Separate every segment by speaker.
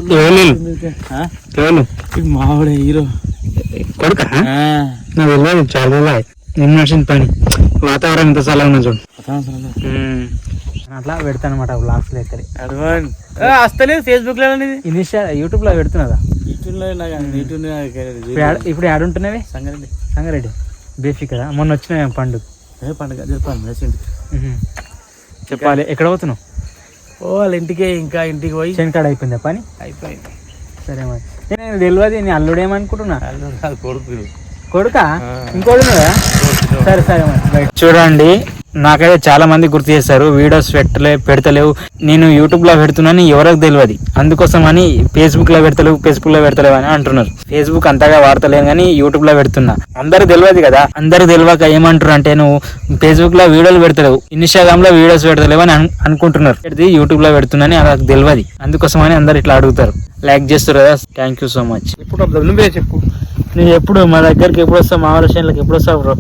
Speaker 1: మావాడే hero
Speaker 2: కొడుక నాకు వెళ్ళాలి చాలా నేను నడిచిన పని వాతావరణం ఇంత చల్లగా ఉన్నా చూడు అట్లా పెడతాను అనమాట బ్లాగ్స్ లో ఎక్కడ
Speaker 1: వస్తలేదు ఫేస్బుక్ లో
Speaker 2: యూట్యూబ్ లో పెడుతున్నదా
Speaker 1: యూట్యూబ్
Speaker 2: ఇప్పుడు యాడ్ ఉంటున్నవి
Speaker 1: సంగారెడ్డి
Speaker 2: సంగారెడ్డి బేఫీ కదా మొన్న వచ్చిన పండుగ
Speaker 1: పండుగ చెప్పాను
Speaker 2: చెప్పాలి ఎక్కడ పోతున్నావు
Speaker 1: వాళ్ళ ఇంటికే ఇంకా ఇంటికి పోయి
Speaker 2: చెనకాడ అయిపోయిందా పని
Speaker 1: అయిపోయింది
Speaker 2: సరే మరి నేను తెలియదు నేను అల్లుడేమనుకుంటున్నా
Speaker 1: కొడుకు
Speaker 2: కొడుకా ఇంకోడు సరే సరే మరి చూడండి నాకైతే చాలా మంది గుర్తు చేస్తారు వీడియోస్ పెడతలేవు నేను యూట్యూబ్ లో పెడుతున్నాను ఎవరికి తెలియదు అందుకోసం అని ఫేస్బుక్ లో పెడతలేవు అని అంటున్నారు ఫేస్బుక్ అంతగా వాడతలేను కానీ యూట్యూబ్ లో పెడుతున్నా అందరికి తెలియదు కదా అందరికి తెలియక ఏమంటారు అంటే నువ్వు ఫేస్బుక్ లో వీడియోలు పెడతలేవు ఇన్స్టాగ్రామ్ లో వీడియోస్ పెడతలేవు అని అనుకుంటున్నారు యూట్యూబ్ లో పెడుతున్నాని నాకు తెలియదు అందుకోసం అని అందరు ఇట్లా అడుగుతారు లైక్ చేస్తారు కదా థ్యాంక్ యూ సో మచ్
Speaker 1: ఇప్పుడు నువ్వే చెప్పు
Speaker 2: నువ్వు ఎప్పుడు మా దగ్గరికి ఎప్పుడు వస్తావు మా ఆలోచనలకు ఎప్పుడు వస్తావు బ్రో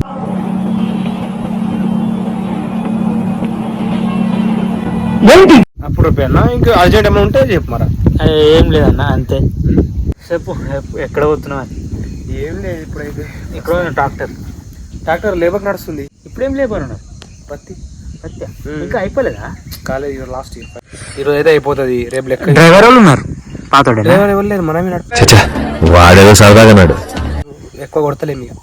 Speaker 1: అప్పుడు రూపాయన్నా ఇంకా అర్జెంట్ ఏమైనా ఉంటే చెప్పు మరా
Speaker 2: ఏం లేదన్నా అంతే చెప్పు ఎక్కడ పోతున్నావు అని
Speaker 1: ఏం లేదు ఇప్పుడైతే
Speaker 2: ఇక్కడ
Speaker 1: ట్రాక్టర్ లేబర్ నడుస్తుంది
Speaker 2: ఇప్పుడేం లేబర్ ఉన్నావు
Speaker 1: పత్తి
Speaker 2: ఇంకా అయిపోలేదా
Speaker 1: కాలేదు లాస్ట్ ఈరోజు అయితే అయిపోతుంది రేపు లెక్క
Speaker 2: డ్రైవర్ వాళ్ళు ఉన్నారు పాతోడే
Speaker 1: డ్రైవర్ ఎవరు లేదు మనమే
Speaker 3: వాడేదో సరదాగా అన్నాడు
Speaker 1: ఎక్కువ కొడతలేము ఇక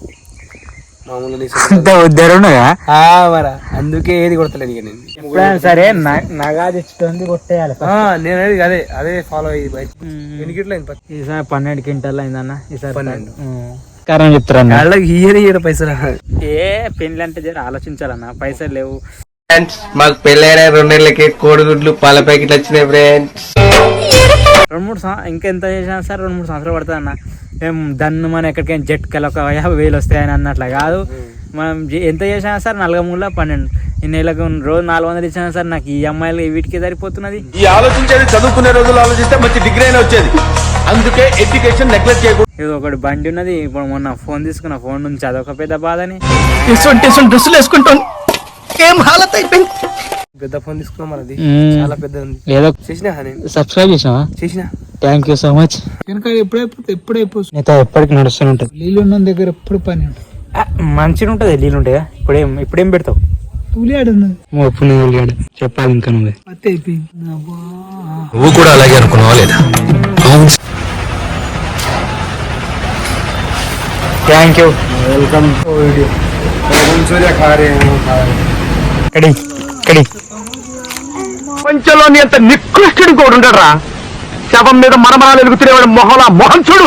Speaker 2: మామూలు
Speaker 1: అందుకే ఏది కొడతలేదు ఇక నేను
Speaker 2: ఎప్పుడైనా సరే నగా తెచ్చుతుంది కొట్టేయాలి
Speaker 1: నేను అదే ఫాలో అయ్యి ఎన్ని గిట్ల
Speaker 2: ఈసారి 12 క్వింటాల్ అయిందన్న ఈసారి
Speaker 1: 12
Speaker 2: కారణం చెప్తారన్న
Speaker 1: ఇయ్యని పైసలు
Speaker 2: ఏ పెళ్లి అంటే జర ఆలోచించాలన్న పైసలు లేవు
Speaker 3: మాకు పెళ్ళైన 2 నెలలకి కోడిగుడ్లు పాల ప్యాకెట్లు వచ్చినాయి ఫ్రెండ్స్
Speaker 2: 2-3 ఇంకెంత చేసినా సార్ 2-3 సంవత్సరాలు పడుతుంది అన్న మేము దాన్ని మనం ఎక్కడికైనా జట్కెళ్ళి ఒక 50,000 వస్తాయని అన్నట్లా కాదు మనం ఎంత చేసినా సార్ 4-3-12 ఈ నెలకు రోజు 400 ఇచ్చినా సార్ నాకు ఈ అమ్మాయిలు వీటికి సరిపోతున్నది
Speaker 3: ఈ ఆలోచించేది చదువుకునే రోజులు ఆలోచిస్తే మంచి డిగ్రీ అయినా వచ్చేది అందుకే ఎడ్యుకేషన్ నెగ్లెక్ట్ చేయకూడదు
Speaker 2: ఇది ఒకటి బండి ఉన్నది ఇప్పుడు మొన్న ఫోన్ తీసుకున్న ఫోన్ నుంచి అదొక పెద్ద బాధని
Speaker 3: డ్రెస్సులు వేసుకుంటాం ఏం హాలత్ అయిపోయింది
Speaker 1: పెద్ద ఫోన్ తీసుకున్నాం మనది చాలా పెద్ద ఉంది
Speaker 2: ఏదో
Speaker 1: చేసినా
Speaker 2: సబ్స్క్రైబ్ చేసినా థ్యాంక్ యూ సో మచ్
Speaker 1: ఎప్పుడైపోతుంది
Speaker 2: నీతో ఎప్పటికి నడుస్తూనే ఉంటుంది
Speaker 1: నీళ్ళు ఉన్న దగ్గర ఎప్పుడు పని
Speaker 2: మంచిగా ఉంటుంది నీళ్ళు ఉంటాయా ఇప్పుడేం పెడతావు
Speaker 1: ఉలియాడు
Speaker 2: ఉల్లిగాడు చెప్పాలి ఇంకా నువ్వే
Speaker 1: పత్తి అయిపోయింది
Speaker 3: నువ్వు కూడా అలాగే అనుకున్నావా లేదా
Speaker 2: thank you
Speaker 1: welcome video Surya ఖారే
Speaker 3: ప్రపంచంలోని అంత నికృష్టుడు కూడా ఉండరా శవం మీద మరమరాలు ఎలుగుతున్నవాడు మొహం చూడు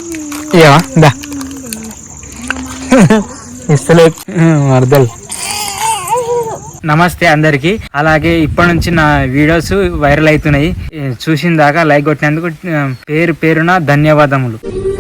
Speaker 2: ఇస్తలే అర్థం నమస్తే అందరికి అలాగే ఇప్పటి నుంచి నా వీడియోస్ వైరల్ అవుతున్నాయి చూసిన దాకా లైక్ కొట్టినందుకు పేరున ధన్యవాదములు.